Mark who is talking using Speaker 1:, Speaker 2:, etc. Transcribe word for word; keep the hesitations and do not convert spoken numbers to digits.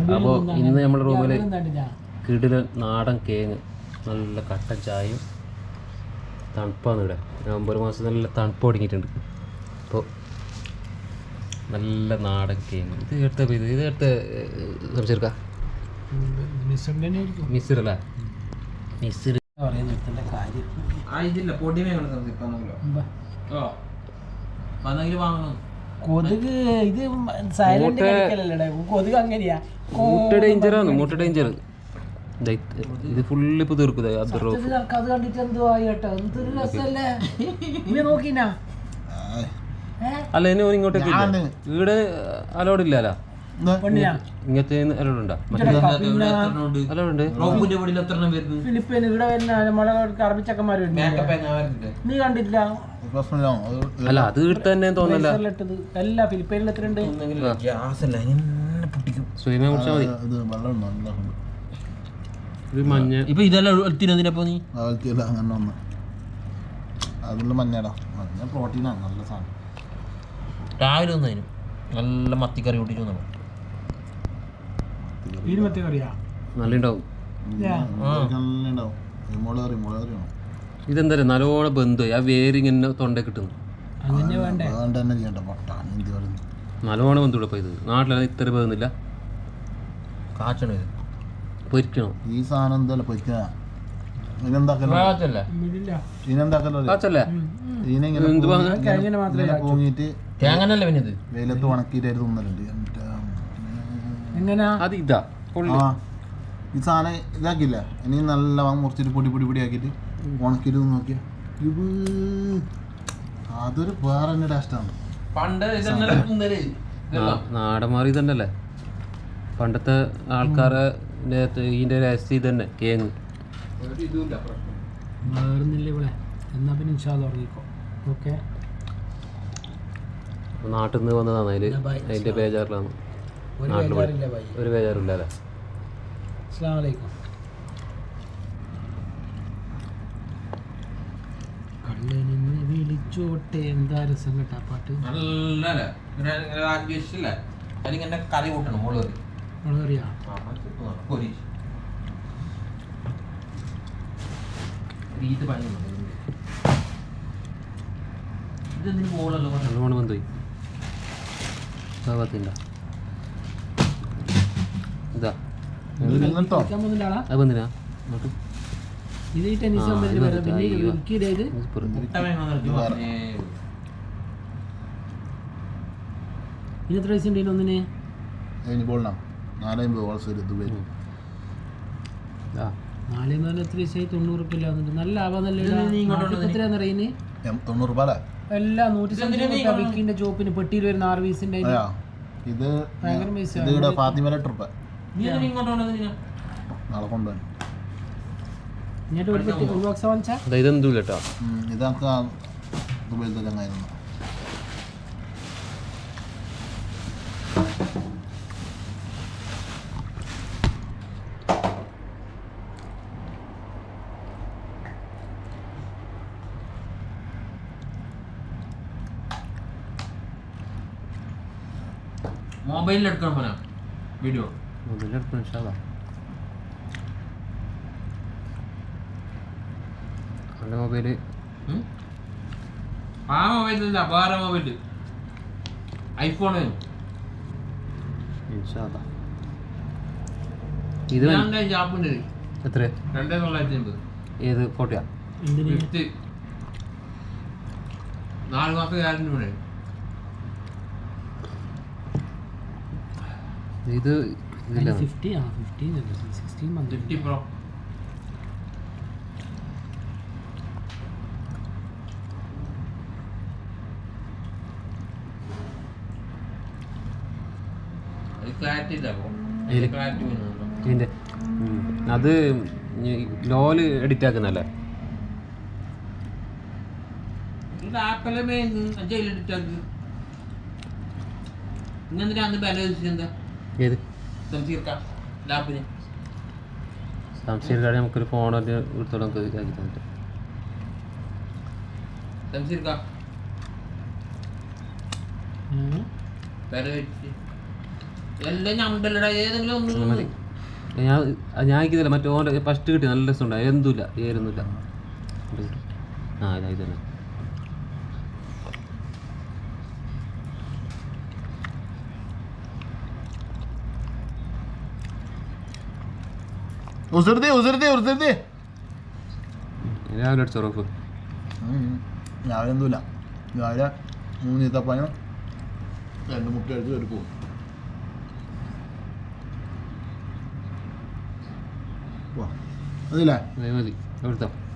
Speaker 1: അപ്പോൾ ഇന്ന് നമ്മുടെ റൂമിൽ കിടിലൻ നാടൻ കേങ്ങ്, നല്ല കട്ടൻ ചായയും തണുപ്പാണ് ഇവിടെ. നവംബർ മാസം നല്ല തണുപ്പ് തുടങ്ങിയിട്ടുണ്ട്. അപ്പോൾ നല്ല നാടൻ കേങ്ങ്. ഇത് എടുത്ത ഇത് ഇത് എടുത്ത സംസാരിക്കാം മിസ്സിറല്ലേ മിസ്സിർ
Speaker 2: കൊതുക് ഇത് സൈലന്റ് കളിക്കലല്ലേ കൊതുക് അങ്ങനെയാ.
Speaker 1: മുട്ട ഡേഞ്ചറാണ്, മുട്ട ഡേഞ്ചർ. ഇത് ഫുള്ള് ഇപ്പൊ തീർക്കുന്നത്
Speaker 2: അത് കണ്ടിട്ട് എന്തുവാ കേട്ടോ, എന്തൊരു രസല്ലേ. ഇനി നോക്കിനാ
Speaker 1: അല്ല ഇനി ഇങ്ങോട്ടേക്ക് ഇവിടെ അലോഡ് ഇല്ലല്ലോ. ഇങ്ങനത്തെ അലോഡ് ഉണ്ടോ? അലോഡ്
Speaker 2: ഫിലിപ്പീൻ ഇവിടെ വരുന്ന നമ്മളെ അറബിച്ചക്കന്മാർ നീ കണ്ടില്ല?
Speaker 1: അല്ല അത് ഇവിടെ തന്നെ തോന്നല്ല.
Speaker 2: അല്ല ഫിലിപ്പീനിൽ എത്ര ഉണ്ട്?
Speaker 1: സ്വയമേ കുടിച്ചാൽ മതി. ഇത് മഞ്ഞ ഇപ്പൊ ഇതെല്ലാം എടുത്തിനപ്പോ നീ
Speaker 3: അങ്ങനെ ഒന്ന് അതിലുള്ള മഞ്ഞടാ, മഞ്ഞ പ്രോട്ടീനാണ്, നല്ല സാധനം.
Speaker 1: രാവിലെ ഒന്നതിനും നല്ല മത്തിക്കറി കൂട്ടിട്ട് വന്നു. നല്ല ഉണ്ടാവും. ഇതെന്താ നല്ലോണം ബന്ധു ആ വേരിങ്ങനെ തൊണ്ട കിട്ടുന്നു. നല്ലോണം ബന്ധുവിടെ ഇത് നാട്ടിലെ ഇത്ര ബന്ധുന്നില്ല. കാച്ചണം ഇത് പൊരിക്കണം.
Speaker 3: ഈ സാധനം എന്താ പൊരിക്കാ പൊങ്ങിട്ട് വെയിലത്ത് ഉണക്കിയിട്ട് തിന്നലുണ്ട്.
Speaker 1: അത് ഇതാ
Speaker 3: ഈ സാധനം ഇതാക്കില്ല, ഇനി നല്ല മുറിച്ചിട്ട് പൊടി പൊടി പൊടി ആക്കിയിട്ട് ഉണക്കിയിട്ട് നോക്കിയാ ഇത് അതൊരു വേറെ തന്നെ ടേസ്റ്റാണ്.
Speaker 1: നാടന്മാർ ഇതന്നല്ലേ പണ്ടത്തെ ആൾക്കാരെ ഇതിന്റെ രഹസ്യം ഇതന്നെ കേങ്ങ്. നാട്ടിൽ നിന്ന് വന്നതാണ്. അതില് അതിന്റെ ബേജാറിലാണ്. നാട്ടിൽ ഒരു ബേജാറില്ല അല്ലേ.
Speaker 2: വിളിച്ചോട്ടെ എന്താ രസം കേട്ടാ പാട്ട്.
Speaker 1: കറി കൂട്ടണം മുളക്
Speaker 2: മുളകറിയാ
Speaker 1: നല്ലോണം ബന്ധുപോയി. ഇതാ അത് ബന്ധിനാ
Speaker 2: ഇത് ടെന്നീസ് എത്ര വയസ്സ് ഉണ്ടെങ്കിലും ഒന്നിന് നാലേ നാല് എത്ര വയസ്സായി? തൊണ്ണൂറ് റുപ്യ നല്ല ലാഭം. എത്രയാന്ന് അറിയുന്നത്?
Speaker 3: തൊണ്ണൂറ് രൂപ
Speaker 2: എല്ലാ നൂറ്റി വിക്കിന്റെ ചോപ്പിന് പെട്ടിയിൽ വരുന്ന ആറ് പീസിന്റെ
Speaker 3: ഇത്
Speaker 2: ഭയങ്കര പൈസ.
Speaker 3: നാളെ കൊണ്ടുപോയി
Speaker 1: ഇതെന്തോ കേട്ടോ.
Speaker 3: ഇതൊക്കെ ദുബൈയിലത്തെ ചങ്ങായിരുന്നു.
Speaker 1: മൊബൈലിലെടുക്കണം പോലെ വീഡിയോ മൊബൈലിലെടുക്കണം ഇൻഷാല്ലാ. എൻ്റെ മൊബൈല് ആ മൊബൈലില്ല, വേറെ മൊബൈല് ഐഫോണ് ഇൻഷാല്ലാ. ഇത് ജാപ്പുണ്ട്. എത്ര? രണ്ടേ തൊള്ളായിരത്തി അമ്പത്. ഏത് ഫോർട്ടിയാ? നാല് മാസം ഗ്യാരണ്ടി കൂടെ. ഇത്
Speaker 2: ഫിഫ്റ്റി ആ ഫിഫ്റ്റീൻ സിക്സ്റ്റീൻ
Speaker 1: ഫിഫ്റ്റി പ്രോ. അത് ലോല് എഡിറ്റ് ആക്കുന്നല്ലേ? ഏത് സംശയം കാര്യം നമുക്കൊരു ഫോൺ എടുത്തോളം നമുക്ക് ഇതാക്കി തന്നിട്ട്
Speaker 2: എല്ലാം ഞണ്ടല്ലടാ ഏതെങ്കിലും ഒന്ന്
Speaker 1: മതി. ഞാൻ ഞാൻ ഇതില്ല മറ്റേ ഓൻ്റെ ഫസ്റ്റ് കിട്ടി നല്ല രസമുണ്ടായി എന്തുമില്ല ഏരൊന്നുമില്ല. ആ ഇതാ ഇത് തന്നെ.
Speaker 3: ഉസിർത്തി ഉസിർത്തി ഉസിർത്തി
Speaker 1: രാവിലെ അടിച്ചോ റോഫ്.
Speaker 3: രാവിലെ എന്തുമില്ല. രാവിലെ മൂന്ന് ഈത്തപ്പഴം രണ്ട് മുട്ട എടുത്ത് കയറി പോകും. അതില്ലേ
Speaker 1: മതി മതി എടുത്തോ.